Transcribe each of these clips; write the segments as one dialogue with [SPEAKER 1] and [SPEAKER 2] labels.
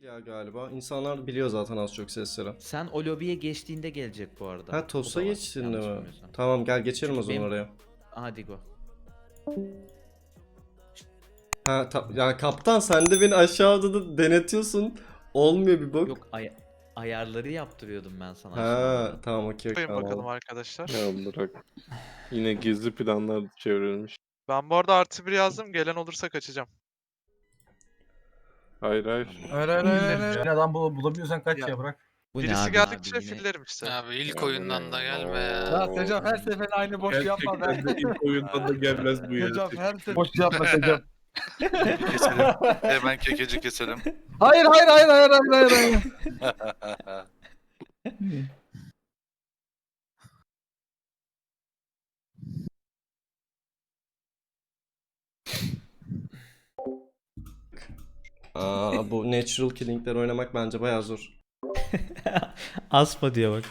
[SPEAKER 1] ya galiba. İnsanlar biliyor zaten az çok sesleri.
[SPEAKER 2] Sen o lobiye geçtiğinde gelecek bu arada.
[SPEAKER 1] Ha Tosa
[SPEAKER 2] O da var,
[SPEAKER 1] geçtin
[SPEAKER 2] yanlış
[SPEAKER 1] mi?
[SPEAKER 2] bilmiyorsam.
[SPEAKER 1] Tamam gel geçelim o
[SPEAKER 2] Çünkü
[SPEAKER 1] zaman
[SPEAKER 2] benim-
[SPEAKER 1] oraya.
[SPEAKER 2] Hadi go.
[SPEAKER 1] Ha yani kaptan sen de beni aşağıda da denetiyorsun. Olmuyor bir bak.
[SPEAKER 2] Yok ayarları yaptırıyordum ben sana
[SPEAKER 1] Ha
[SPEAKER 2] aşağıda.
[SPEAKER 1] tamam okey
[SPEAKER 3] Bakayım
[SPEAKER 1] tamam.
[SPEAKER 3] bakalım arkadaşlar.
[SPEAKER 4] Ya bırak. Yine gizli planlar çevrilmiş.
[SPEAKER 3] Ben bu arada +1 yazdım. Gelen olursa kaçacağım.
[SPEAKER 4] Hayır hayır.
[SPEAKER 5] Yine adam bulabiliyorsan kaç
[SPEAKER 3] Ya.
[SPEAKER 5] ya bırak.
[SPEAKER 2] Bu ne
[SPEAKER 3] Birisi
[SPEAKER 2] abi
[SPEAKER 3] geldikçe
[SPEAKER 2] abi yine?
[SPEAKER 3] fillerim işte.
[SPEAKER 6] Abi ilk
[SPEAKER 4] Ya
[SPEAKER 6] oyundan
[SPEAKER 4] bu
[SPEAKER 6] da
[SPEAKER 4] ne?
[SPEAKER 6] gelme ya.
[SPEAKER 5] Ya Secaf her seferinde aynı boş yapma be.
[SPEAKER 4] Gerçekten de ilk oyundan da gelmez bu ya.
[SPEAKER 5] Secaf her sefer boş yapma Secaf.
[SPEAKER 7] Keselim. Hemen kekeci keselim.
[SPEAKER 5] Hayır.
[SPEAKER 1] Bu natural killing'ler oynamak bence bayağı zor.
[SPEAKER 2] Asma diyor bak.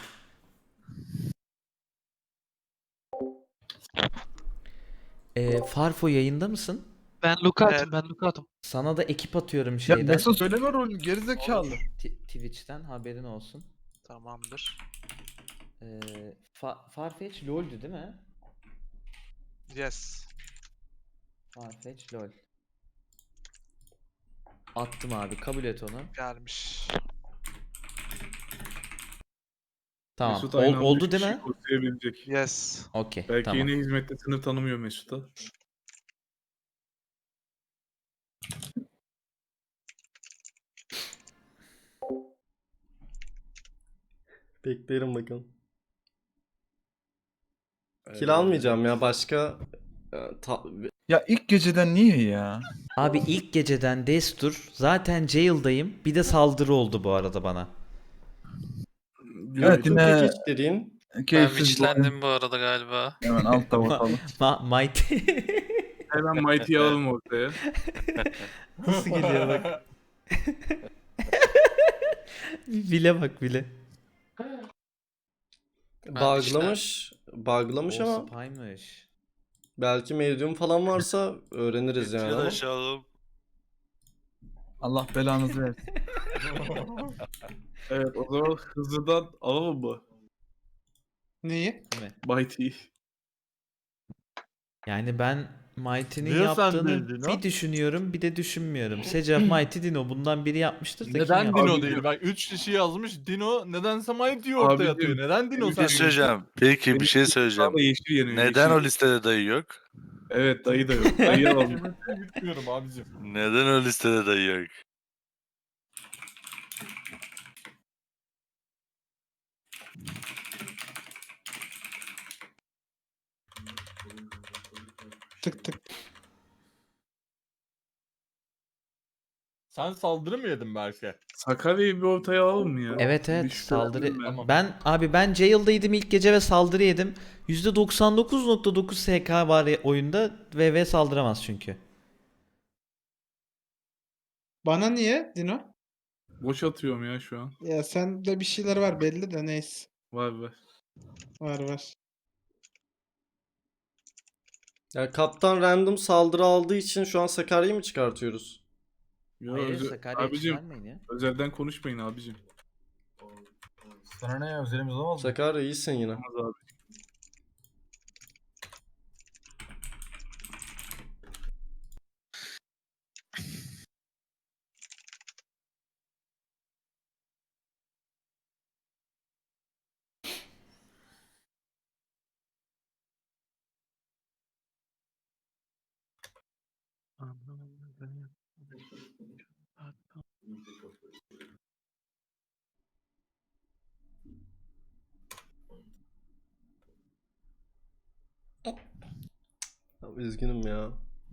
[SPEAKER 2] Farfo yayında mısın?
[SPEAKER 6] Ben Lukat'ım,
[SPEAKER 3] Evet.
[SPEAKER 6] ben Lukat'ım.
[SPEAKER 2] Sana da ekip atıyorum
[SPEAKER 5] Ya
[SPEAKER 2] şeyden.
[SPEAKER 5] Mesut söyleme rolünü gerizekalı.
[SPEAKER 2] Twitch'ten haberin olsun.
[SPEAKER 3] Tamamdır.
[SPEAKER 2] Farfetch LoL'dü değil mi?
[SPEAKER 3] Yes.
[SPEAKER 2] Farfetch LoL. Attım abi, kabul et onu.
[SPEAKER 3] Gelmiş.
[SPEAKER 2] Tamam.
[SPEAKER 4] Mesut aynı anda
[SPEAKER 2] Oldu
[SPEAKER 4] üç
[SPEAKER 2] değil
[SPEAKER 4] kişi
[SPEAKER 2] mi?
[SPEAKER 4] kurtarabilecek.
[SPEAKER 3] Yes.
[SPEAKER 2] Okey.
[SPEAKER 4] Belki
[SPEAKER 2] Tamam.
[SPEAKER 4] yine hizmette sınır tanımıyor Mesut'a.
[SPEAKER 1] Beklerim bakalım. Kill almayacağım ya başka
[SPEAKER 5] Ya ilk geceden niye ya?
[SPEAKER 2] Abi ilk geceden destur. Zaten jail'dayım. Bir de saldırı oldu bu arada bana.
[SPEAKER 5] Evet yine
[SPEAKER 1] geçtireyim.
[SPEAKER 6] Ben
[SPEAKER 5] keyifsiz bir oyun.
[SPEAKER 6] witchlendim bu arada galiba.
[SPEAKER 5] Hemen altta bakalım.
[SPEAKER 2] Mighty.
[SPEAKER 4] Hemen Mighty'yi alalım ortaya.
[SPEAKER 2] Nasıl geliyor bak. Bile bak bile.
[SPEAKER 1] Buglamış
[SPEAKER 2] O
[SPEAKER 1] ama
[SPEAKER 2] spy'mış.
[SPEAKER 1] belki medium falan varsa öğreniriz yani
[SPEAKER 7] Geçiyor
[SPEAKER 1] ama.
[SPEAKER 7] aşağılım.
[SPEAKER 5] Allah belanızı versin.
[SPEAKER 4] Evet o zaman hızlıdan alalım mı?
[SPEAKER 5] Neyi?
[SPEAKER 4] Mighty'yi.
[SPEAKER 2] Yani ben Mighty'nin
[SPEAKER 8] Niye sen
[SPEAKER 2] yaptığını
[SPEAKER 8] bildin
[SPEAKER 2] bir
[SPEAKER 8] o?
[SPEAKER 2] düşünüyorum bir de düşünmüyorum. Secaf Mighty Dino bundan biri yapmıştır da kim
[SPEAKER 8] Neden
[SPEAKER 2] yaptı?
[SPEAKER 8] Dino
[SPEAKER 4] Abi,
[SPEAKER 8] değil? Bak 3 kişi yazmış. Dino nedense Mighty'yi ortaya
[SPEAKER 4] Abicim,
[SPEAKER 8] atıyor. Neden Dino
[SPEAKER 7] Bir
[SPEAKER 8] sen
[SPEAKER 7] şey söyleyeceğim. Peki bir şey söyleyeceğim.
[SPEAKER 4] Sağda yeşil yanıyor.
[SPEAKER 7] Neden
[SPEAKER 4] yeşil.
[SPEAKER 7] o listede dayı yok?
[SPEAKER 4] Evet dayı da yok. Dayı alalım.
[SPEAKER 8] Kilometreyi bitmiyorum abicim.
[SPEAKER 7] Neden o listede dayı yok?
[SPEAKER 5] Tık tık.
[SPEAKER 8] Sen saldırı mı yedin belki?
[SPEAKER 4] Sakarya'yı bir ortaya alalım mı ya?
[SPEAKER 2] Evet
[SPEAKER 4] Bir
[SPEAKER 2] evet
[SPEAKER 4] şüphelendim
[SPEAKER 2] saldırı.
[SPEAKER 4] ben.
[SPEAKER 2] Ben jail'daydım ilk gece ve saldırı yedim. %99.9 SK var oyunda. VV saldıramaz çünkü.
[SPEAKER 9] Bana niye Dino?
[SPEAKER 4] Boş atıyorum ya şu an.
[SPEAKER 9] Ya sende bir şeyler var belli de neyse.
[SPEAKER 4] Var var.
[SPEAKER 9] Var.
[SPEAKER 1] Ya kaptan random saldırı aldığı için şu an Sakarya'yı mı çıkartıyoruz?
[SPEAKER 4] Ya
[SPEAKER 2] Hayır Sakarya
[SPEAKER 4] abicim
[SPEAKER 2] çıkarmayın ya.
[SPEAKER 4] özelden konuşmayın abicim.
[SPEAKER 5] Sana ne ya özelimiz olmaz mı?
[SPEAKER 1] Sakarya iyisin yine.
[SPEAKER 4] Olmaz abi.
[SPEAKER 1] Üzgünüm ya.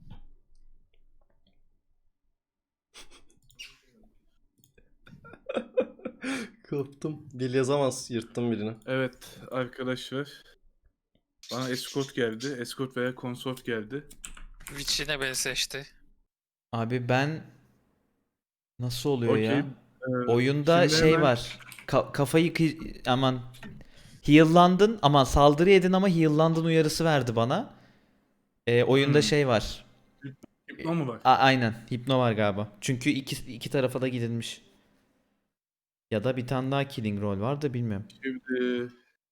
[SPEAKER 1] Koptum. Dil yazamaz. Yırttım birini.
[SPEAKER 4] Evet arkadaşlar. Bana escort geldi. Escort veya consort geldi.
[SPEAKER 6] Witch yine beni seçti.
[SPEAKER 2] Abi ben nasıl oluyor
[SPEAKER 4] Okey.
[SPEAKER 2] ya? Oyunda
[SPEAKER 4] Şimdi
[SPEAKER 2] şey
[SPEAKER 4] hemen-
[SPEAKER 2] var. Kafayı aman heal'landın ama saldırı yedin ama heal'landın uyarısı verdi bana. Oyunda şey var.
[SPEAKER 4] Hipno mu var?
[SPEAKER 2] Aynen. Hipno var galiba. Çünkü iki tarafa da gidilmiş. Ya da bir tane daha killing rol var da bilmiyorum.
[SPEAKER 4] Şimdi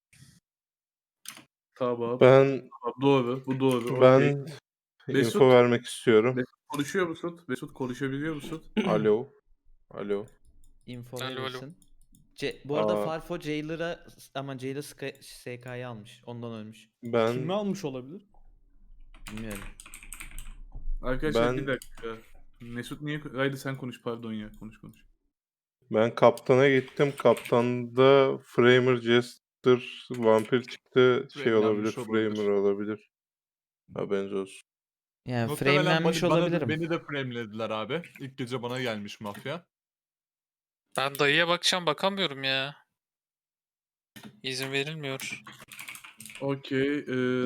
[SPEAKER 4] tamam.
[SPEAKER 5] Ben
[SPEAKER 4] Doğru. Bu doğru. Okey.
[SPEAKER 5] ben
[SPEAKER 4] Mesut.
[SPEAKER 5] info vermek istiyorum.
[SPEAKER 4] Mesut konuşuyor musun? Mesut konuşabiliyor musun?
[SPEAKER 5] Alo. Alo.
[SPEAKER 2] Info
[SPEAKER 6] Alo, alo.
[SPEAKER 2] verirsin. Bu arada
[SPEAKER 5] Aa.
[SPEAKER 2] Farfo Jailer'a ama Jailer SK'yı almış. Ondan ölmüş.
[SPEAKER 5] Ben
[SPEAKER 8] Kimi almış olabilir?
[SPEAKER 2] Bilmiyorum.
[SPEAKER 4] Arkadaşlar
[SPEAKER 5] Ben-
[SPEAKER 4] bir dakika. Mesut niye... Haydi sen konuş pardon ya. Konuş.
[SPEAKER 5] ben kaptana gittim. Kaptanda Framer, Jester, vampir çıktı. Şey olabilir.
[SPEAKER 8] Framelenmiş olabilir.
[SPEAKER 5] Framer olabilir. Haberiniz olsun.
[SPEAKER 2] Yani
[SPEAKER 8] Muhtemelen
[SPEAKER 2] framelenmiş olabilirim.
[SPEAKER 8] Beni de framelediler abi. İlk gece bana gelmiş mafya.
[SPEAKER 6] Ben dayıya bakacağım bakamıyorum ya. İzin verilmiyor.
[SPEAKER 4] Okey.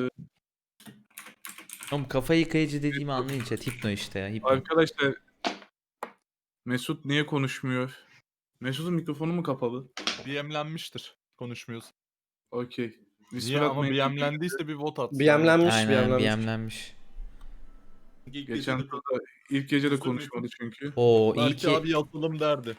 [SPEAKER 2] Oğlum kafa yıkayıcı dediğimi anlayın chat. Hipno işte ya. Hipno.
[SPEAKER 4] Arkadaşlar Mesut niye konuşmuyor? Mesut'un mikrofonu mu kapalı?
[SPEAKER 8] BM'lenmiştir. Konuşmuyorsun.
[SPEAKER 4] Okey.
[SPEAKER 8] Niye ama BM'lendiyse bir vote atsın.
[SPEAKER 1] BM'lenmiş,
[SPEAKER 2] Aynen
[SPEAKER 1] BM'lenmiş.
[SPEAKER 2] BM'lenmiş.
[SPEAKER 4] Geçen turda ilk gece de konuşmadı çünkü.
[SPEAKER 2] Oo iyi
[SPEAKER 8] Belki
[SPEAKER 2] ki
[SPEAKER 8] abi yatalım derdi.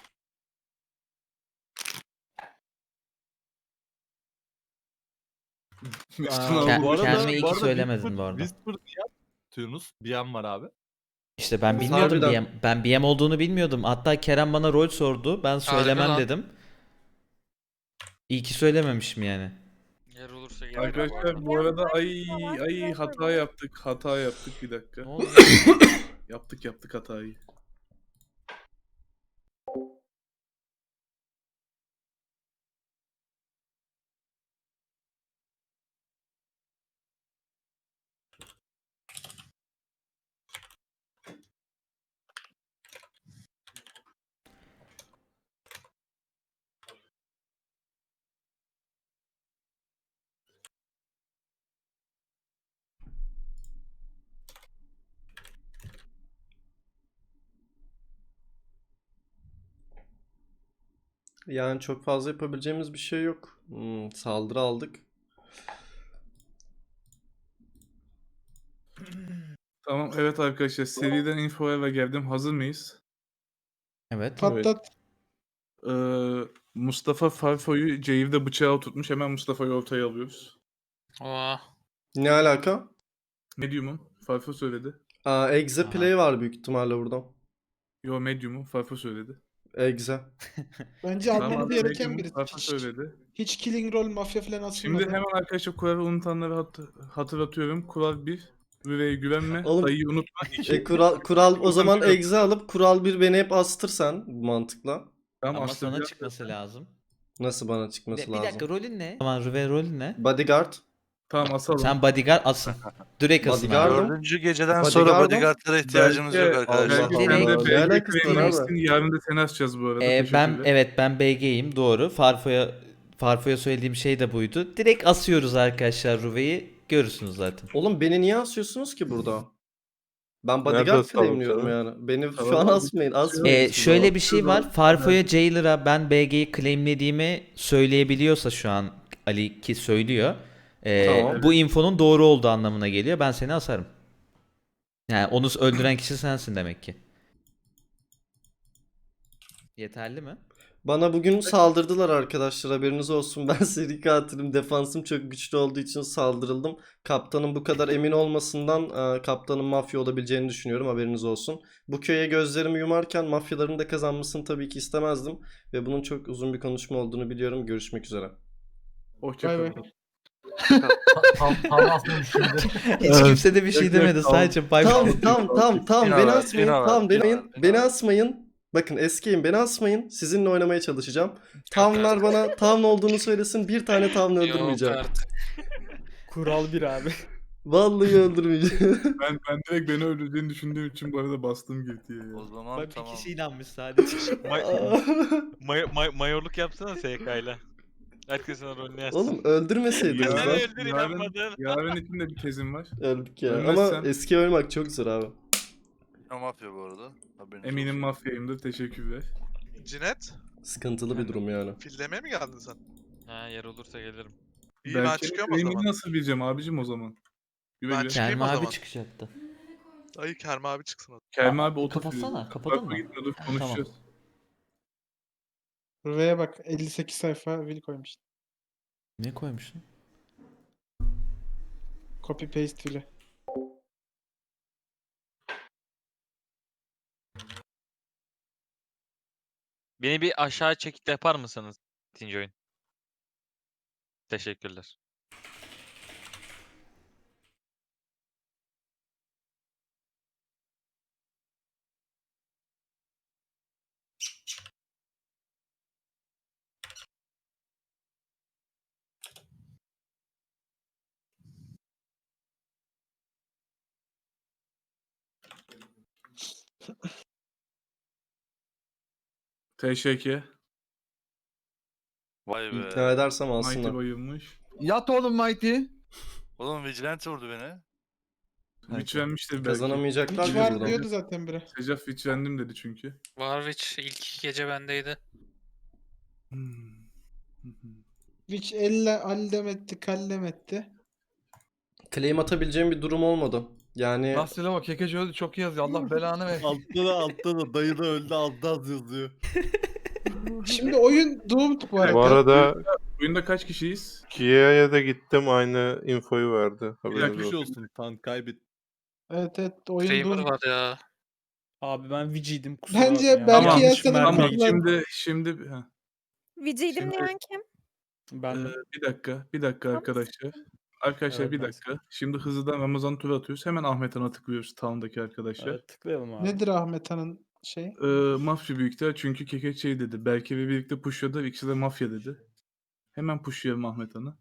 [SPEAKER 4] Mesut'un
[SPEAKER 8] Aa,
[SPEAKER 4] abi
[SPEAKER 8] bu arada-
[SPEAKER 2] kendime iyi
[SPEAKER 8] bu
[SPEAKER 2] ki
[SPEAKER 8] arada
[SPEAKER 2] söylemedin bu arada.
[SPEAKER 8] Whisper niye atıyorsunuz? BM var abi.
[SPEAKER 2] İşte ben
[SPEAKER 1] Biz
[SPEAKER 2] bilmiyordum
[SPEAKER 1] harbiden-
[SPEAKER 2] Ben BM olduğunu bilmiyordum. Hatta Kerem bana rol sordu. Ben söylemem
[SPEAKER 6] lan.
[SPEAKER 2] dedim. İyi ki söylememişim yani.
[SPEAKER 6] Yer olursa gelirim.
[SPEAKER 4] Arkadaşlar bu arada ay hata yaptık bir dakika.
[SPEAKER 2] Ne oldu?
[SPEAKER 4] Yaptık hatayı.
[SPEAKER 1] Yani çok fazla yapabileceğimiz bir şey yok. Saldırı aldık.
[SPEAKER 4] Tamam evet arkadaşlar seriden infoya ve geldim. Hazır mıyız?
[SPEAKER 2] Evet.
[SPEAKER 9] Patlat.
[SPEAKER 4] Mustafa Farfo'yu Cave'de bıçağı tutmuş. Hemen Mustafa'yı ortaya alıyoruz.
[SPEAKER 6] Oha.
[SPEAKER 1] Ne alaka?
[SPEAKER 4] Medium'um. Farfo söyledi.
[SPEAKER 1] Exe
[SPEAKER 2] Aha.
[SPEAKER 1] play var büyük ihtimalle burada.
[SPEAKER 4] Yo Medium'um. Farfo söyledi.
[SPEAKER 1] Exe.
[SPEAKER 9] Bence
[SPEAKER 4] Tamam,
[SPEAKER 9] almamız gereken
[SPEAKER 4] Medium'um,
[SPEAKER 9] biri.
[SPEAKER 4] Farfo söyledi.
[SPEAKER 9] Hiç killing roll mafya falan atılmadı.
[SPEAKER 4] Şimdi hemen arkadaşlar kuralı unutanları hatırlatıyorum. Kural 1. Rüve'ye güvenme.
[SPEAKER 1] Oğlum-
[SPEAKER 4] Dayıyı unutma. 2.
[SPEAKER 1] Kural o zaman
[SPEAKER 4] Yok.
[SPEAKER 1] exe alıp kural 1 beni hep astır sen bu mantıkla.
[SPEAKER 4] Tamam,
[SPEAKER 2] Ama sana
[SPEAKER 4] astıracağım.
[SPEAKER 2] çıkması lazım.
[SPEAKER 1] Nasıl bana çıkması
[SPEAKER 2] Bir
[SPEAKER 1] lazım?
[SPEAKER 2] dakika rolün ne? Tamam Rüve rolün ne?
[SPEAKER 1] Bodyguard.
[SPEAKER 4] Tamam asalım.
[SPEAKER 2] Sen bodyguard asın. Direkt asın
[SPEAKER 1] Bodyguard
[SPEAKER 2] abi.
[SPEAKER 1] mı?
[SPEAKER 7] 4. geceden
[SPEAKER 1] Bodyguard'ım.
[SPEAKER 7] sonra bodyguardlara ihtiyacımız yok
[SPEAKER 4] Belki-
[SPEAKER 7] arkadaşlar.
[SPEAKER 1] Allah
[SPEAKER 4] Belki
[SPEAKER 1] Allah.
[SPEAKER 4] sen de
[SPEAKER 1] Ne
[SPEAKER 4] belki
[SPEAKER 1] alakası var
[SPEAKER 4] Claim'mişsin,
[SPEAKER 1] abi?
[SPEAKER 4] yarın da seni asacağız bu arada.
[SPEAKER 2] Ben
[SPEAKER 4] Teşekkürler.
[SPEAKER 2] evet ben BG'yim doğru. Farfo'ya söylediğim şey de buydu. Direkt asıyoruz arkadaşlar Rüve'yi. Görürsünüz zaten.
[SPEAKER 1] Oğlum beni niye asıyorsunuz ki burada? Ben
[SPEAKER 5] Nerede
[SPEAKER 1] bodyguard
[SPEAKER 5] asalım
[SPEAKER 1] claimliyorum
[SPEAKER 5] sana?
[SPEAKER 1] yani. Beni
[SPEAKER 4] Tamam
[SPEAKER 1] şu an
[SPEAKER 4] abi.
[SPEAKER 1] asmayın. Asmayın.
[SPEAKER 2] Şöyle bir şey var. Farfo'ya Jailer'a ben BG'yi claimlediğimi söyleyebiliyorsa şu an Ali ki söylüyor.
[SPEAKER 1] Tamam.
[SPEAKER 2] Bu infonun doğru olduğu anlamına geliyor. Ben seni asarım. Yani onu öldüren kişi sensin demek ki. Yeterli mi?
[SPEAKER 1] Bana bugün saldırdılar arkadaşlar, haberiniz olsun. Ben seri katilim. Defansım çok güçlü olduğu için saldırıldım. Kaptanın bu kadar emin olmasından kaptanın mafya olabileceğini düşünüyorum, haberiniz olsun. Bu köye gözlerimi yumarken mafyaların da kazanmasını tabii ki istemezdim. Ve bunun çok uzun bir konuşma olduğunu biliyorum. Görüşmek üzere.
[SPEAKER 9] Bay
[SPEAKER 4] Hoşçakalın.
[SPEAKER 9] bay.
[SPEAKER 2] Hiç kimse de bir şey
[SPEAKER 4] Yok, yok,
[SPEAKER 2] demedi.
[SPEAKER 4] tamam.
[SPEAKER 2] Sadece bay
[SPEAKER 1] Tamam
[SPEAKER 2] bay.
[SPEAKER 1] tamam beni
[SPEAKER 7] var,
[SPEAKER 1] asmayın.
[SPEAKER 7] Dino var,
[SPEAKER 1] Tamam
[SPEAKER 7] Dino
[SPEAKER 1] beni,
[SPEAKER 7] var, Dino
[SPEAKER 1] beni
[SPEAKER 7] var.
[SPEAKER 1] asmayın. Bakın eskiyim, beni asmayın. Sizinle oynamaya çalışacağım. Tavnlar bana tavn olduğunu söylesin. Bir tane tavn öldürmeyeceğim.
[SPEAKER 6] Yok artık.
[SPEAKER 8] Kural 1 abi.
[SPEAKER 1] Vallahi öldürmeyeceğim.
[SPEAKER 4] Ben direkt beni öldüreceğini düşündüğüm için bu arada bastım girdiye ya.
[SPEAKER 7] O zaman
[SPEAKER 2] Bak bir
[SPEAKER 7] tamam.
[SPEAKER 2] kişi inanmış sadece.
[SPEAKER 10] Mayorluk yapsana SK'yla. Herkesin rolünü yazsın.
[SPEAKER 1] Oğlum öldürmeseydiniz
[SPEAKER 4] Ya,
[SPEAKER 10] Ben
[SPEAKER 1] lan.
[SPEAKER 10] öldür inanmadın.
[SPEAKER 4] Yarın için de bir tezim var.
[SPEAKER 1] Öldük ya.
[SPEAKER 4] Ölmezsem-
[SPEAKER 1] Ama eski oynamak çok zor abi.
[SPEAKER 7] Ya mafya bu arada. Haberiniz
[SPEAKER 4] Eminim
[SPEAKER 7] olsun.
[SPEAKER 4] mafyayımdır. Teşekkürler.
[SPEAKER 3] Cinet,
[SPEAKER 1] Sıkıntılı bir durum yani.
[SPEAKER 3] fillemeye mi geldin sen?
[SPEAKER 10] Ha yer olursa gelirim.
[SPEAKER 3] İyi ben
[SPEAKER 4] Belki
[SPEAKER 3] çıkıyorum o
[SPEAKER 4] claim'i
[SPEAKER 3] zaman.
[SPEAKER 4] nasıl bileceğim abicim o zaman? Güle
[SPEAKER 3] Ben
[SPEAKER 4] güle.
[SPEAKER 3] çıkayım
[SPEAKER 2] Kerem
[SPEAKER 3] o
[SPEAKER 2] abi
[SPEAKER 3] zaman.
[SPEAKER 2] çıkacaktı.
[SPEAKER 3] Dayı Kerem abi çıksın o zaman.
[SPEAKER 4] Kerem abi
[SPEAKER 2] Kapatsana, kapadın mı?
[SPEAKER 4] Gitme dur konuşacağız.
[SPEAKER 9] R'ye bak 58 sayfa will koymuş.
[SPEAKER 2] Ne koymuşsun?
[SPEAKER 9] Copy paste will'i.
[SPEAKER 10] Beni bir aşağı çekip yapar mısınız? İkinci oyun. Teşekkürler.
[SPEAKER 4] TŞK.
[SPEAKER 7] Vay be.
[SPEAKER 1] İkna edersem
[SPEAKER 4] Mighty
[SPEAKER 1] alsınlar.
[SPEAKER 4] bayılmış.
[SPEAKER 5] Yat oğlum Mighty.
[SPEAKER 7] Oğlum Vigilante vurdu beni.
[SPEAKER 4] Witch vermiştir belki.
[SPEAKER 1] Kazanamayacaklar
[SPEAKER 9] Hiç
[SPEAKER 1] gibi
[SPEAKER 9] var
[SPEAKER 1] buradan.
[SPEAKER 9] diyordu zaten biri.
[SPEAKER 4] Secaf Witch verdim dedi çünkü.
[SPEAKER 6] Warwitch ilk 2 gece bendeydi.
[SPEAKER 9] Which elle allem etti, kallem etti.
[SPEAKER 1] Claim atabileceğim bir durum olmadı. Yani
[SPEAKER 5] Nasıl bak Kekeci öldü çok iyi yazıyor. Allah belanı ver.
[SPEAKER 8] Altta da dayı da öldü altta az yazıyor.
[SPEAKER 9] Şimdi oyun doomed bu arada.
[SPEAKER 11] Bu arada
[SPEAKER 4] Oyunda kaç kişiyiz?
[SPEAKER 11] Kia'ya da gittim, aynı infoyu verdi.
[SPEAKER 4] Bir
[SPEAKER 11] Haberiniz
[SPEAKER 4] dakika,
[SPEAKER 11] olsun.
[SPEAKER 8] olsun tan kaybet.
[SPEAKER 9] Evet oyun
[SPEAKER 6] Framer
[SPEAKER 9] doomed.
[SPEAKER 6] var ya.
[SPEAKER 8] Abi ben Vici'ydim kusura
[SPEAKER 9] Bence
[SPEAKER 8] bakma ya.
[SPEAKER 9] belki
[SPEAKER 4] Tamam,
[SPEAKER 9] Yasen'in
[SPEAKER 4] Tamam
[SPEAKER 9] kullan-
[SPEAKER 4] şimdi
[SPEAKER 12] Viciydim
[SPEAKER 4] Şimdi-
[SPEAKER 12] diyen kim?
[SPEAKER 8] Ben
[SPEAKER 4] bir dakika arkadaşlar. Arkadaşlar
[SPEAKER 8] Evet,
[SPEAKER 4] bir
[SPEAKER 8] ben-
[SPEAKER 4] dakika. Şimdi hızlıdan Ramazan tur atıyoruz. Hemen Ahmet Han'a tıklıyoruz town'daki arkadaşlar.
[SPEAKER 8] evet, tıklayalım abi.
[SPEAKER 9] Nedir Ahmet Han'ın şey?
[SPEAKER 4] Mafya büyükler çünkü Kekeç şey dedi. Belki ve birlikte pushladı. İkisi de mafya dedi. Hemen pushlayalım Ahmet Han'ı.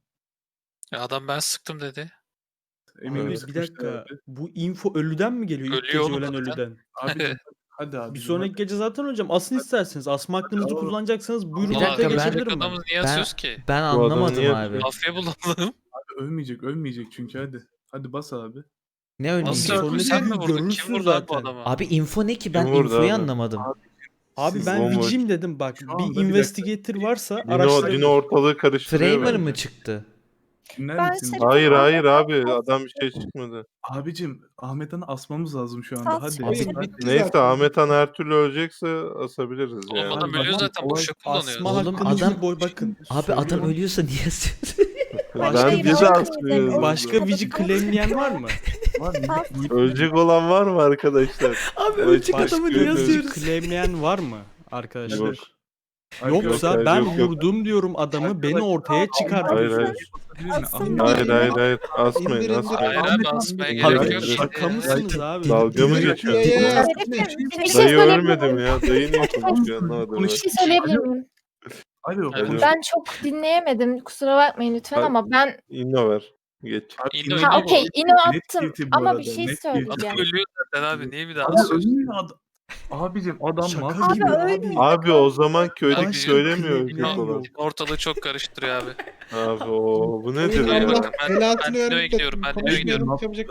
[SPEAKER 6] Ya adam ben sıktım dedi.
[SPEAKER 4] Emin
[SPEAKER 11] Evet.
[SPEAKER 4] miyiz?
[SPEAKER 8] Bir dakika. Bu info ölüden mi geliyor? İlk
[SPEAKER 6] Ölüyor
[SPEAKER 8] gece
[SPEAKER 6] oğlum
[SPEAKER 8] ölen
[SPEAKER 6] zaten.
[SPEAKER 8] ölüden.
[SPEAKER 4] Abi hadi abi.
[SPEAKER 8] Bir sonraki gece zaten hocam asın isterseniz. Asma hakkınızı
[SPEAKER 4] Hadi.
[SPEAKER 8] kullanacaksanız buyurun
[SPEAKER 2] Bir
[SPEAKER 6] Ulan
[SPEAKER 2] dakika,
[SPEAKER 8] ortaya
[SPEAKER 2] ben-
[SPEAKER 8] geçebilirim ben.
[SPEAKER 6] adamı niye
[SPEAKER 2] Ben-
[SPEAKER 6] asıyoruz ki?
[SPEAKER 2] Ben
[SPEAKER 11] Bu adam
[SPEAKER 2] anlamadım
[SPEAKER 11] niye-
[SPEAKER 2] abi.
[SPEAKER 6] Mafya bulalım.
[SPEAKER 4] Ölmeyecek çünkü hadi. Hadi bas abi.
[SPEAKER 2] Ne öyle?
[SPEAKER 6] Nasıl
[SPEAKER 8] Sonra
[SPEAKER 6] öldü?
[SPEAKER 8] ne
[SPEAKER 6] Sen mi
[SPEAKER 8] bileyim,
[SPEAKER 6] vurdun?
[SPEAKER 8] görürsün
[SPEAKER 6] Kim vurdu abi bu
[SPEAKER 8] zaten.
[SPEAKER 6] adamı?
[SPEAKER 2] Abi info ne ki? Ben
[SPEAKER 11] Kim vurdu
[SPEAKER 2] infoyu
[SPEAKER 11] abi?
[SPEAKER 2] anlamadım.
[SPEAKER 8] Abi ben
[SPEAKER 11] Bomboş.
[SPEAKER 8] Vicim dedim bak.
[SPEAKER 4] Şu anda
[SPEAKER 8] Bir
[SPEAKER 4] bir dakika.
[SPEAKER 8] investigator varsa
[SPEAKER 11] Dino
[SPEAKER 8] araştırabilir.
[SPEAKER 11] ortalığı karıştırıyor
[SPEAKER 2] Framer
[SPEAKER 11] bence.
[SPEAKER 2] mı çıktı?
[SPEAKER 4] Dinler
[SPEAKER 12] Ben
[SPEAKER 4] misin?
[SPEAKER 12] Şerif'im.
[SPEAKER 11] Hayır
[SPEAKER 12] Ahmet
[SPEAKER 11] hayır abi,
[SPEAKER 12] Han'ı
[SPEAKER 11] adam bir şey çıkmadı.
[SPEAKER 4] Abicim Ahmet Han'ı asmamız lazım şu anda.
[SPEAKER 12] Sas
[SPEAKER 4] Hadi.
[SPEAKER 12] Şerif.
[SPEAKER 9] Oyun
[SPEAKER 4] Hadi.
[SPEAKER 9] bitti
[SPEAKER 11] Neyse
[SPEAKER 9] zaten.
[SPEAKER 11] Ahmet Han her türlü ölecekse asabiliriz
[SPEAKER 6] Oğlum
[SPEAKER 11] yani.
[SPEAKER 6] adam
[SPEAKER 8] Abi
[SPEAKER 6] ölüyor
[SPEAKER 8] bakın,
[SPEAKER 6] zaten boşa kullanıyor.
[SPEAKER 8] Asma
[SPEAKER 2] Oğlum
[SPEAKER 8] hakkınızı
[SPEAKER 2] adam-
[SPEAKER 8] bakın.
[SPEAKER 2] Abi adam
[SPEAKER 8] söylüyorum.
[SPEAKER 2] ölüyorsa niye asıyorsun?
[SPEAKER 12] Hayır,
[SPEAKER 11] Ben
[SPEAKER 12] hayır,
[SPEAKER 11] bir de
[SPEAKER 12] hayır,
[SPEAKER 11] asmıyorum.
[SPEAKER 12] hayır.
[SPEAKER 8] Başka Vici claimleyen var mı?
[SPEAKER 12] Sas.
[SPEAKER 11] Ölecek olan var mı arkadaşlar?
[SPEAKER 2] Abi ölecek
[SPEAKER 11] Başka
[SPEAKER 2] adamı
[SPEAKER 11] bir
[SPEAKER 2] niye
[SPEAKER 11] Vici
[SPEAKER 2] asıyoruz?
[SPEAKER 8] Claimleyen var mı arkadaşlar?
[SPEAKER 11] Yok.
[SPEAKER 8] Yoksa
[SPEAKER 11] Yok,
[SPEAKER 8] ben
[SPEAKER 11] yok, yok.
[SPEAKER 8] vurdum diyorum adamı beni ortaya çıkartın.
[SPEAKER 11] Hayır hayır.
[SPEAKER 12] Asın
[SPEAKER 11] Hayır asmayın
[SPEAKER 9] İndir, indir.
[SPEAKER 11] asmayın.
[SPEAKER 6] Hayır abi asmaya
[SPEAKER 2] Abi,
[SPEAKER 6] gerek yok.
[SPEAKER 8] Şaka mısınız abi?
[SPEAKER 11] Dalga mı
[SPEAKER 9] Yürü,
[SPEAKER 11] geçiyorsun?
[SPEAKER 9] yürü.
[SPEAKER 11] ya?
[SPEAKER 12] Şerif'im, bir şey
[SPEAKER 11] Dayı
[SPEAKER 12] söyleyebilir
[SPEAKER 11] ölmedim
[SPEAKER 12] miyim?
[SPEAKER 11] ya. Dayı niye konuşuyor anlamadım.
[SPEAKER 12] Bir şey söyleyebilir miyim?
[SPEAKER 4] Alo.
[SPEAKER 6] Evet.
[SPEAKER 4] konuş.
[SPEAKER 12] Ben çok dinleyemedim. Kusura bakmayın lütfen
[SPEAKER 11] Hadi.
[SPEAKER 12] ama ben...
[SPEAKER 11] İnno ver. Geç.
[SPEAKER 4] Abi,
[SPEAKER 6] İndo-
[SPEAKER 4] inan-
[SPEAKER 12] Ha okey, ino
[SPEAKER 4] Net
[SPEAKER 12] attım
[SPEAKER 4] guilty bu
[SPEAKER 12] ama
[SPEAKER 4] arada,
[SPEAKER 12] bir şey
[SPEAKER 4] net
[SPEAKER 12] söyleyeceğim.
[SPEAKER 6] Adam ölüyor zaten abi. Niye bir daha
[SPEAKER 4] Abi
[SPEAKER 6] asıyorsun?
[SPEAKER 4] ölmüyor adam. Abicim adam
[SPEAKER 8] Şaka
[SPEAKER 4] mafya.
[SPEAKER 12] Abi
[SPEAKER 8] gibi
[SPEAKER 12] öyle.
[SPEAKER 11] Abi o zaman köylü
[SPEAKER 6] Başka
[SPEAKER 11] söylemiyor
[SPEAKER 8] claimleyen
[SPEAKER 11] ölecek olan.
[SPEAKER 8] yok.
[SPEAKER 6] Ortalığı çok karıştırıyor abi.
[SPEAKER 11] Abi o bu nedir
[SPEAKER 9] Oyun
[SPEAKER 11] ya?
[SPEAKER 6] Oyun
[SPEAKER 9] Allah
[SPEAKER 6] bakın, ben
[SPEAKER 9] belasını
[SPEAKER 6] Dino'ya
[SPEAKER 9] vermiş.
[SPEAKER 6] gidiyorum, ben Dino'ya gidiyorum.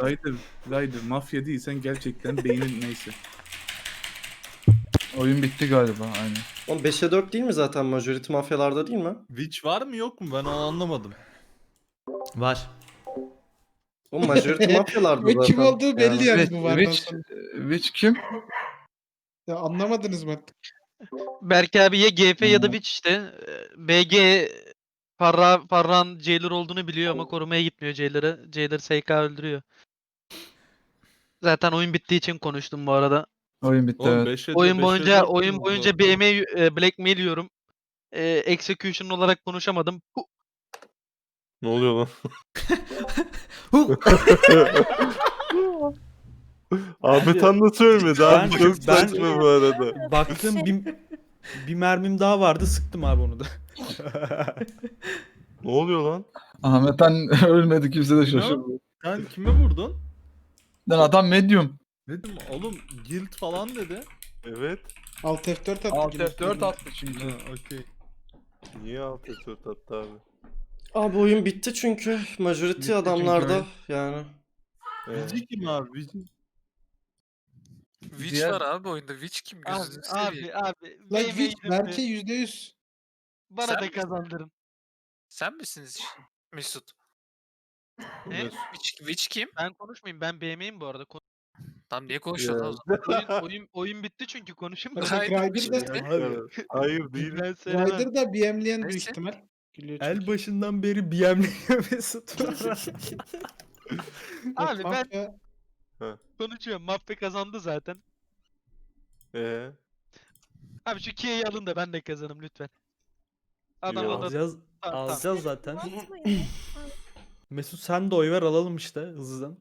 [SPEAKER 4] Ryder mafya değilsen gerçekten beynin neyse.
[SPEAKER 5] Oyun bitti galiba aynen.
[SPEAKER 1] Oğlum 5'e 4 değil mi zaten majority mafyalarda değil mi?
[SPEAKER 8] Witch var mı yok mu? Ben onu anlamadım.
[SPEAKER 2] Var.
[SPEAKER 1] Oğlum majority mafyalarda
[SPEAKER 9] Ve
[SPEAKER 1] zaten.
[SPEAKER 9] kim olduğu belli yani bu vardan
[SPEAKER 5] Witch,
[SPEAKER 9] sonra.
[SPEAKER 5] Witch kim?
[SPEAKER 9] Ya anlamadınız mı artık?
[SPEAKER 10] Berk abi ya GF ya da Witch işte. BG Farran Jailer olduğunu biliyor ama korumaya gitmiyor Jailer'ı. Jailer SK öldürüyor. Zaten oyun bittiği için konuştum bu arada.
[SPEAKER 5] Oyun bitti evet.
[SPEAKER 10] Oyun boyunca BM blackmail yiyorum. Execution olarak konuşamadım.
[SPEAKER 11] Ne oluyor lan?
[SPEAKER 2] Hu!
[SPEAKER 11] Ahmet Han nasıl ölmedi abi?
[SPEAKER 8] Ben-
[SPEAKER 11] Çok
[SPEAKER 8] ben-
[SPEAKER 11] saçma bu arada.
[SPEAKER 8] Baktım bir mermim daha vardı sıktım abi onu da.
[SPEAKER 11] Ne oluyor lan?
[SPEAKER 5] Ahmet Han ölmedi kimse de şaşırdı.
[SPEAKER 8] Sen kime vurdun?
[SPEAKER 5] Lan adam medium.
[SPEAKER 8] Dedim oğlum guild falan dedi.
[SPEAKER 11] Evet.
[SPEAKER 9] Alt F4 attı.
[SPEAKER 5] Alt
[SPEAKER 9] gibi.
[SPEAKER 5] F4 attı çünkü.
[SPEAKER 8] Okey.
[SPEAKER 11] Niye alt F4 attı abi?
[SPEAKER 1] Abi oyun bitti çünkü majority
[SPEAKER 5] Bitti
[SPEAKER 1] adamlarda
[SPEAKER 5] çünkü
[SPEAKER 1] yani.
[SPEAKER 8] Vici kim abi? Vici.
[SPEAKER 6] Witch
[SPEAKER 5] Diğer-
[SPEAKER 6] var abi oyunda. Witch kim? Gözünü seveyim.
[SPEAKER 10] Abi.
[SPEAKER 9] Lan Witch belki %100.
[SPEAKER 10] Bana
[SPEAKER 6] Sen
[SPEAKER 10] da
[SPEAKER 6] misin?
[SPEAKER 10] kazandırın.
[SPEAKER 6] Sen misiniz Mesut?
[SPEAKER 10] Ne?
[SPEAKER 6] Witch kim?
[SPEAKER 10] Ben konuşmayayım. Ben BM'yim bu arada.
[SPEAKER 6] Tam niye konuşuyorsun o zaman?
[SPEAKER 10] Oyun bitti çünkü konuşayım
[SPEAKER 9] Bak,
[SPEAKER 10] mı?
[SPEAKER 9] Ryder da,
[SPEAKER 3] işte.
[SPEAKER 11] Hayır değil.
[SPEAKER 10] Ben söylemem.
[SPEAKER 9] Ryder da BM'leyen büyük
[SPEAKER 6] Neyse.
[SPEAKER 9] ihtimal. Gülüyor çünkü.
[SPEAKER 2] El başından beri BM'liyor Mesut.
[SPEAKER 10] Abi ben
[SPEAKER 9] Mafya-
[SPEAKER 10] konuşuyorum. Mafya kazandı zaten. Abi şu Kia'yı alın da ben de kazanım lütfen. Adam
[SPEAKER 11] Yok.
[SPEAKER 10] adam.
[SPEAKER 2] Alacağız,
[SPEAKER 10] Tamam.
[SPEAKER 2] alacağız zaten.
[SPEAKER 12] Atmayın.
[SPEAKER 2] Mesut sen de oy ver alalım işte hızlıdan.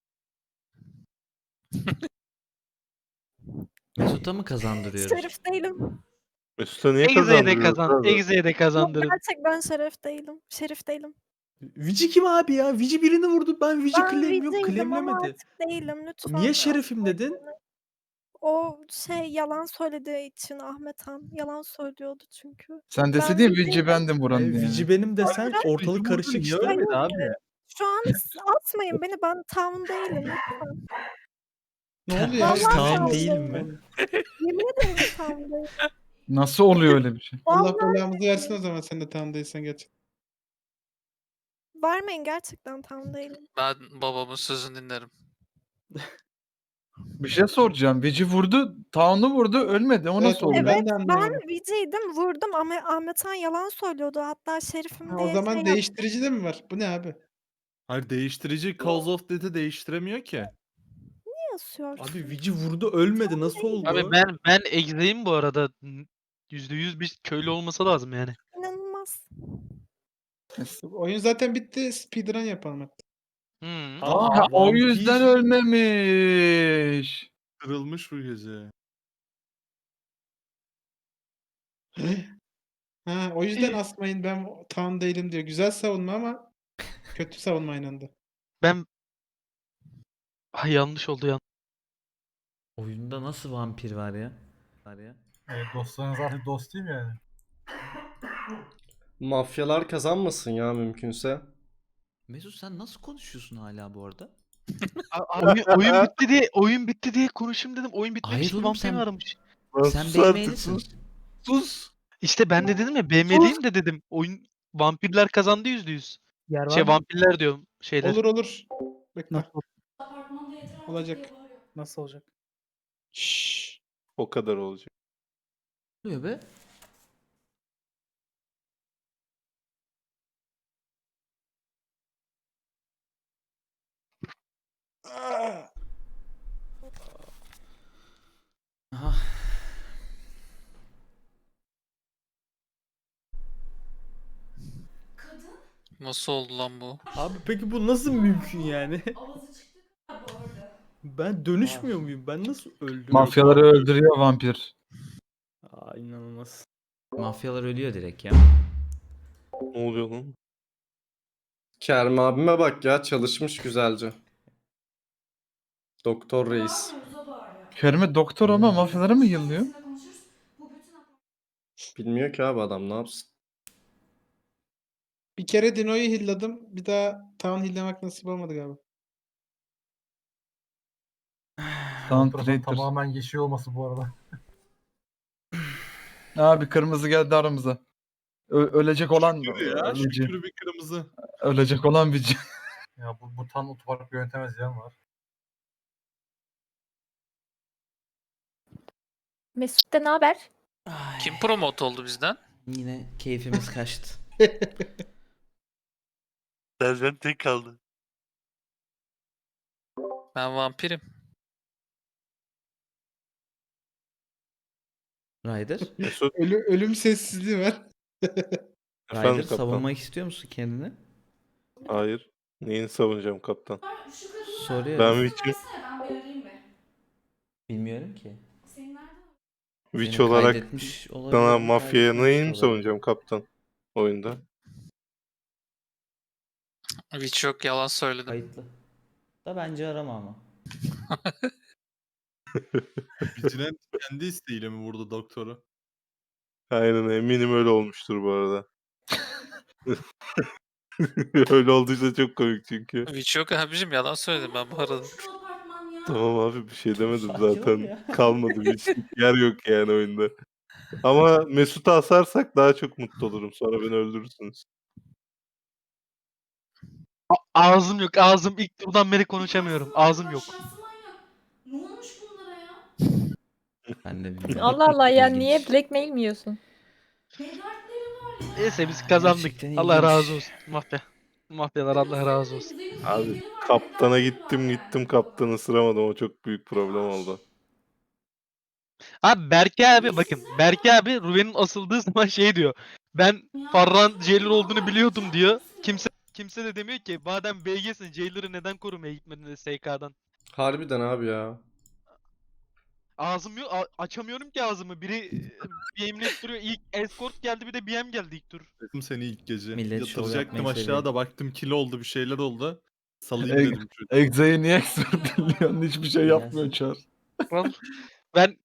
[SPEAKER 2] Mesut'a mı kazandırıyoruz?
[SPEAKER 12] Şerif değilim.
[SPEAKER 11] Mesut'a niye
[SPEAKER 10] Exe'ye de
[SPEAKER 11] kazandırıyorsun?
[SPEAKER 10] Exe'ye de kazandırın.
[SPEAKER 12] Gerçekten şeref değilim. Şerif değilim.
[SPEAKER 2] Vici kim abi ya? Vici birini vurdu. Ben Vici
[SPEAKER 12] Ben
[SPEAKER 2] claim yok.
[SPEAKER 12] Vica'ydım ama
[SPEAKER 2] Claimlemedi.
[SPEAKER 12] artık değilim lütfen.
[SPEAKER 2] Niye şerefim dedin?
[SPEAKER 12] O yalan söylediği için Ahmet Han. Yalan söylüyordu çünkü.
[SPEAKER 5] Sen
[SPEAKER 12] Ben
[SPEAKER 5] deseydin
[SPEAKER 12] Vica'yım.
[SPEAKER 5] Vici bendim buranın diye.
[SPEAKER 2] Vici benim desen
[SPEAKER 5] Vici
[SPEAKER 2] ortalık
[SPEAKER 5] vurdu,
[SPEAKER 2] karışık
[SPEAKER 5] niye
[SPEAKER 2] işte.
[SPEAKER 5] ölmedi abi?
[SPEAKER 12] Şu an atmayın beni. Ben tam değilim lütfen.
[SPEAKER 9] Ne oluyor?
[SPEAKER 12] Vallahi
[SPEAKER 9] ya?
[SPEAKER 2] Tamam
[SPEAKER 12] tam
[SPEAKER 2] değil
[SPEAKER 12] değilim.
[SPEAKER 2] mi?
[SPEAKER 12] Yemin ederim tam değilim.
[SPEAKER 5] Nasıl oluyor öyle bir şey?
[SPEAKER 9] Allah
[SPEAKER 12] Vallahi
[SPEAKER 9] belamızı versin o zaman sen de tam değilsen geç.
[SPEAKER 12] vermeyin gerçekten tam değilim.
[SPEAKER 6] Ben babamın sözünü dinlerim.
[SPEAKER 5] Bir şey soracağım. Vici vurdu, Town'u vurdu, ölmedi. O
[SPEAKER 9] Evet,
[SPEAKER 5] nasıl oluyor?
[SPEAKER 9] Ben de
[SPEAKER 12] Ben
[SPEAKER 9] anlamadım.
[SPEAKER 12] Vica'ydım vurdum ama Ahmet Han yalan söylüyordu. Hatta şerifim
[SPEAKER 9] Ha,
[SPEAKER 12] diye
[SPEAKER 9] o zaman
[SPEAKER 12] şey yaptı.
[SPEAKER 9] değiştirici de mi var? Bu ne abi?
[SPEAKER 8] Hayır değiştirici Cause of Death'i değiştiremiyor ki.
[SPEAKER 12] Ne yazıyorsun?
[SPEAKER 2] Abi Vici vurdu ölmedi. Nasıl oldu?
[SPEAKER 10] Abi ben Exe'yim bu arada. %100 bir köylü olması lazım yani.
[SPEAKER 12] İnanılmaz.
[SPEAKER 9] Oyun zaten bitti. Speedrun yapalım hatta.
[SPEAKER 10] Hı.
[SPEAKER 5] Aa, o
[SPEAKER 8] vampir
[SPEAKER 5] yüzden ölmemiş.
[SPEAKER 8] Kırılmış bu gece.
[SPEAKER 9] Ha, o yüzden asmayın ben tam değilim diyor. Güzel savunma ama kötü savunma aynı anda.
[SPEAKER 10] Ben yanlış oldu ya.
[SPEAKER 2] Oyunda nasıl vampir var ya? Var ya.
[SPEAKER 8] Dostlarınız artık dost değil mi yani?
[SPEAKER 1] Mafyalar kazanmasın ya mümkünse.
[SPEAKER 2] Mesut sen nasıl konuşuyorsun hala bu arada?
[SPEAKER 10] Oyun bitti diye konuşayım dedim. Oyun bitmemiş
[SPEAKER 2] Hayır
[SPEAKER 10] ki
[SPEAKER 2] oğlum,
[SPEAKER 10] vampir
[SPEAKER 2] sen-
[SPEAKER 10] aramış.
[SPEAKER 11] Lan
[SPEAKER 2] Sen
[SPEAKER 11] sus artık,
[SPEAKER 2] BM'lisin.
[SPEAKER 11] Sus.
[SPEAKER 10] İşte ben de dedim ya BM'liyim de dedim. Oyun vampirler kazandı %100. Vampirler diyorum şeyler.
[SPEAKER 9] Olur. Bekle.
[SPEAKER 10] Nasıl?
[SPEAKER 9] Olacak.
[SPEAKER 10] Nasıl olacak?
[SPEAKER 9] Şşş.
[SPEAKER 11] O kadar olacak.
[SPEAKER 2] Ne oluyor be? Aha.
[SPEAKER 6] Nasıl oldu lan bu?
[SPEAKER 2] Abi peki bu nasıl mümkün yani? Ben dönüşmüyor muyum? Ben nasıl öldüm?
[SPEAKER 5] Mafyaları öldürüyor vampir.
[SPEAKER 2] Aa inanılmaz. Mafyalar ölüyor direkt ya.
[SPEAKER 11] Ne oluyor lan?
[SPEAKER 1] Kerem abime bak ya çalışmış güzelce. Doktor reis.
[SPEAKER 5] Kerime doktor ama mafyaları mı yıllıyor?
[SPEAKER 1] Bilmiyor ki abi adam ne yapsın.
[SPEAKER 9] Bir kere Dino'yu hilladım. Bir daha Town hillamak nasip olmadı galiba.
[SPEAKER 5] Town Traitor.
[SPEAKER 8] yeşil olması bu arada.
[SPEAKER 5] Abi kırmızı geldi aramıza. Ölecek olan Vici.
[SPEAKER 8] bir kırmızı.
[SPEAKER 5] Ölecek olan Vici.
[SPEAKER 8] Ya bu tam otopark yönetemez yan var.
[SPEAKER 12] Mesut'ta ne haber?
[SPEAKER 2] Ay,
[SPEAKER 6] Kim promote oldu bizden?
[SPEAKER 2] yine keyfimiz kaçtı.
[SPEAKER 7] Serzen tek kaldı.
[SPEAKER 6] Ben vampirim.
[SPEAKER 2] Ryder.
[SPEAKER 11] Mesut
[SPEAKER 9] Ölüm sessizliği var.
[SPEAKER 2] Ryder
[SPEAKER 11] efendim kaptan.
[SPEAKER 2] savunmak istiyor musun kendini?
[SPEAKER 11] Hayır. Neyini savunacağım kaptan?
[SPEAKER 2] Soruyorum.
[SPEAKER 11] Ben Witch'i
[SPEAKER 2] Bilmiyorum ki.
[SPEAKER 11] Witch
[SPEAKER 2] Seni
[SPEAKER 11] olarak
[SPEAKER 2] kaydetmiş olabilir,
[SPEAKER 11] sana mafyaya
[SPEAKER 2] kaydetmemiş
[SPEAKER 11] neyini
[SPEAKER 2] olabilir.
[SPEAKER 11] savunacağım kaptan oyunda?
[SPEAKER 6] Hiç yok yalan söyledim.
[SPEAKER 2] Kayıtlı. Da bence arama ama.
[SPEAKER 8] Vigilante kendi isteğiyle mi vurdu doktoru?
[SPEAKER 11] Aynen eminim öyle olmuştur bu arada. Öyle olduysa çok komik çünkü.
[SPEAKER 6] Hiç yok abicim yalan söyledim ben bu arada.
[SPEAKER 11] Tamam abi bir şey demedim
[SPEAKER 2] Sakin ol
[SPEAKER 11] zaten.
[SPEAKER 2] ya.
[SPEAKER 11] Kalmadı bir yer yok yani oyunda. Ama Mesut'u asarsak daha çok mutlu olurum. Sonra beni öldürürsünüz.
[SPEAKER 10] Ağzım yok. Ağzım ilk turdan beri konuşamıyorum. Ağzım yok.
[SPEAKER 2] Ben de bilmiyorum.
[SPEAKER 13] Allah Allah ya
[SPEAKER 2] İlginç.
[SPEAKER 13] niye blackmail mi yiyorsun?
[SPEAKER 10] Neyse biz kazandık.
[SPEAKER 2] Gerçekten
[SPEAKER 10] Allah
[SPEAKER 2] ilginç.
[SPEAKER 10] razı olsun. Mafya. Mafyalar Allah razı olsun.
[SPEAKER 11] Abi kaptana gittim kaptanı ısıramadım. O çok büyük problem oldu.
[SPEAKER 10] Abi Berke abi bakın. Berke abi Ruben'in asıldığı zaman şey diyor. Ben Farran Jailer olduğunu biliyordum diyor. Kimse de demiyor ki madem BG'sin Jailer'ı neden korumaya gitmedin de SK'dan.
[SPEAKER 1] Harbiden abi ya.
[SPEAKER 10] Ağzım yok açamıyorum ki ağzımı. Biri BM'le duruyor. İlk escort geldi bir de BM geldi ilk tur.
[SPEAKER 8] Dedim seni ilk gece.
[SPEAKER 2] Millet şov
[SPEAKER 8] Yatıracaktım
[SPEAKER 2] yapmayı
[SPEAKER 8] aşağıda baktım kilo oldu bir şeyler oldu. Salayım
[SPEAKER 5] Eg-
[SPEAKER 8] dedim çocuğu.
[SPEAKER 5] Exe'yi niye expert dinliyorsun? Hiçbir şey
[SPEAKER 2] Biraz.
[SPEAKER 5] yapmıyor Çar.
[SPEAKER 10] Ben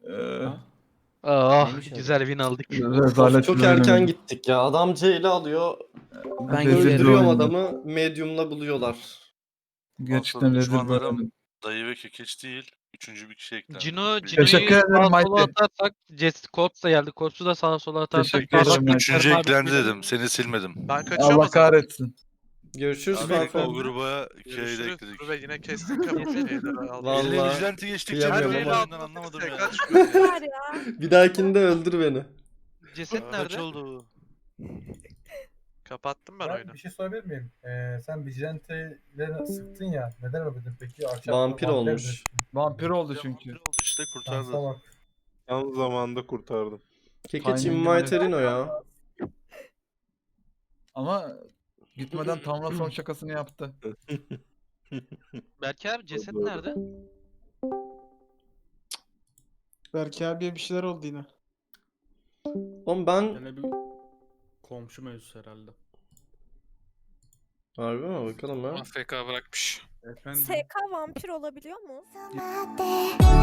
[SPEAKER 2] Neymiş
[SPEAKER 10] güzel win aldık.
[SPEAKER 5] Rezalet
[SPEAKER 1] Çok
[SPEAKER 5] bir
[SPEAKER 1] erken
[SPEAKER 5] oyun.
[SPEAKER 1] gittik ya. Adam C'yle alıyor.
[SPEAKER 2] Ben
[SPEAKER 5] Rezil bir
[SPEAKER 1] Öldürüyorum
[SPEAKER 5] oyundu.
[SPEAKER 1] adamı. Medium'la buluyorlar.
[SPEAKER 5] Gerçekten
[SPEAKER 7] Aslında
[SPEAKER 5] rezil bir
[SPEAKER 7] düşmanlarım
[SPEAKER 5] oyun.
[SPEAKER 7] Dayı ve kekeç değil. Üçüncü bir kişi eklendi.
[SPEAKER 10] Cino'yu
[SPEAKER 5] Teşekkür ederim,
[SPEAKER 10] sağa sola
[SPEAKER 5] Mighty.
[SPEAKER 10] atarsak Corps da geldi. Corps'u da sağa sola atarsak.
[SPEAKER 5] Teşekkür ederim, Mighty.
[SPEAKER 7] Üçüncü eklendi dedim. Seni silmedim.
[SPEAKER 3] Ben kaçıyorum o
[SPEAKER 5] Allah
[SPEAKER 3] zaman.
[SPEAKER 5] kahretsin.
[SPEAKER 1] Görüşürüz
[SPEAKER 7] Abi
[SPEAKER 1] Farfan.
[SPEAKER 7] o gruba K'yi de
[SPEAKER 3] Görüşürüz.
[SPEAKER 7] ekledik.
[SPEAKER 3] Ve yine kestik kapı şeyleri aldık.
[SPEAKER 1] Vallahi.
[SPEAKER 7] Eline vigilante geçtikçe ben
[SPEAKER 1] kıyamıyorum
[SPEAKER 7] de
[SPEAKER 1] ama.
[SPEAKER 7] anlamadım ya.
[SPEAKER 3] Tekrar çıkıyor ya.
[SPEAKER 12] Var ya.
[SPEAKER 1] Bir dahakinde öldür beni.
[SPEAKER 10] Ceset
[SPEAKER 7] Kaç
[SPEAKER 10] nerede?
[SPEAKER 7] oldu?
[SPEAKER 3] Kapattım ben oyunu.
[SPEAKER 5] Bir şey sorabilir miyim? Sen Vigilante'leri sıktın ya. Neden öldün peki?
[SPEAKER 1] Vampir olmuş.
[SPEAKER 5] Vampir oldu
[SPEAKER 7] Ya
[SPEAKER 5] çünkü.
[SPEAKER 7] vampir oldu işte kurtardı.
[SPEAKER 5] bak.
[SPEAKER 11] Tam zamanında kurtardım.
[SPEAKER 1] Kekeç
[SPEAKER 5] Timing'ine-
[SPEAKER 1] inviterino ya.
[SPEAKER 5] Ama gitmeden Tanrı son şakasını yaptı.
[SPEAKER 10] Berke abi ceset
[SPEAKER 11] Doğru.
[SPEAKER 10] nerede?
[SPEAKER 9] Berke abiye bir şeyler oldu yine.
[SPEAKER 1] Oğlum ben...
[SPEAKER 8] Yine bir komşu mevzusu herhalde.
[SPEAKER 1] Harbi mi? Bakalım ha.
[SPEAKER 6] AFK bırakmış.
[SPEAKER 4] Efendim.
[SPEAKER 12] SK vampir olabiliyor mu?